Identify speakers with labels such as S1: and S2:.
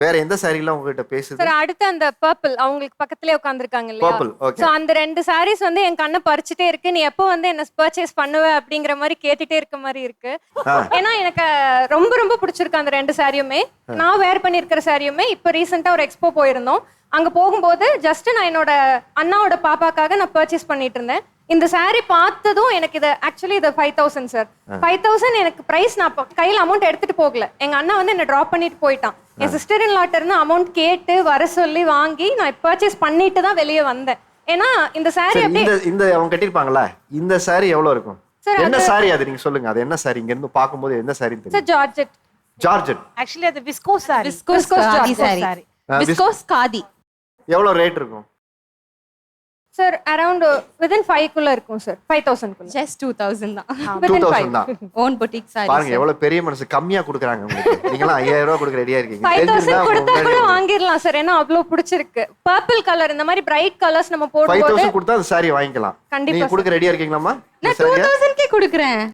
S1: வேற எந்த சாரிலாம் உங்ககிட்ட பேசுது?
S2: சார் அடுத்து அந்த பர்பிள் அவங்களுக்கு பக்கத்துலயே உட்காந்துருக்காங்க இல்லையா?
S1: பர்பிள். ஓகே.
S2: சோ அந்த 2 சாரீஸ் வந்து என் கண்ணை பறிச்சுட்டே இருக்கு. நீ எப்போ வந்து என்ன பர்ச்சேஸ் பண்ணுவ அப்படிங்கிற மாதிரி கேட்டுட்டே இருக்க மாதிரி இருக்கு. ஏன்னா எனக்கு ரொம்ப ரொம்ப பிடிச்சிருக்கு அந்த 2 சாரியுமே. நான் வேர் பண்ணியிருக்கிற சாரியுமே இப்போ ரீசெண்டா ஒரு எக்ஸ்போ போயிருந்தோம். அங்க போகும்போது ஜஸ்ட் நான் என்னோட அண்ணாவோட பாப்பாக்காக நான் பர்ச்சேஸ் பண்ணிட்டு இருந்தேன். இந்த saree பார்த்ததும் எனக்கு இது ஆக்சுவலி இது 5000 சார். 5000 எனக்கு பிரைஸ் நான் கையில அமௌண்ட் எடுத்துட்டு போகல. எங்க அண்ணா வந்து என்ன டிராப் பண்ணிட்டு போயிட்டான். என் சிஸ்டர் இன் லாட்ட இருந்து அமௌண்ட் கேட்டு வர சொல்லி வாங்கி நான் பர்ச்சேஸ் பண்ணிட்டு தான் வெளியே வந்தேன். ஏன்னா இந்த saree அப்படியே
S1: இந்த அவங்க கட்டிருப்பாங்களா? இந்த saree எவ்வளவு இருக்கும்? என்ன saree அது நீங்க சொல்லுங்க. அது என்ன saree? இங்க இருந்து பாக்கும்போது என்ன saree தெரியும்?
S2: Sir georgette.
S1: ஜார்ஜெட்.
S3: ஆக்சுவலி அது viscose sari.
S2: Viscose
S3: sari.
S4: Viscose khadi.
S1: எவ்வளவு ரேட் இருக்கும்?
S2: சார் அரௌண்ட் within 5 குள்ள இருக்கும் சார். 5000 குள்ள.
S4: ஜஸ்ட் 2000 தான்.
S2: within
S1: 2000
S2: 5.
S1: தான்.
S4: Own boutique sari.
S1: பாருங்க எவ்வளவு பெரிய மனசு. கம்மியா கொடுக்குறாங்க உங்களுக்கு. நீங்க எல்லாம் 5000 ரூபாய் கொடுக்க ரெடியா இருக்கீங்க.
S2: 5000 கொடுத்தா கூட வாங்கிரலாம் சார். ஏன்னா அவ்வளவு பிடிச்சிருக்கு. பர்பிள் கலர் இந்த மாதிரி பிரைட் கலர்ஸ் நம்ம போடும்போது
S1: 5000 கொடுத்தா அந்த saree வாங்கிக்கலாம்.
S2: கண்டிப்பா
S1: நீங்க கொடுக்க ரெடியா இருக்கீங்களாமா?
S4: நான் 2000 கே கொடுக்கிறேன்.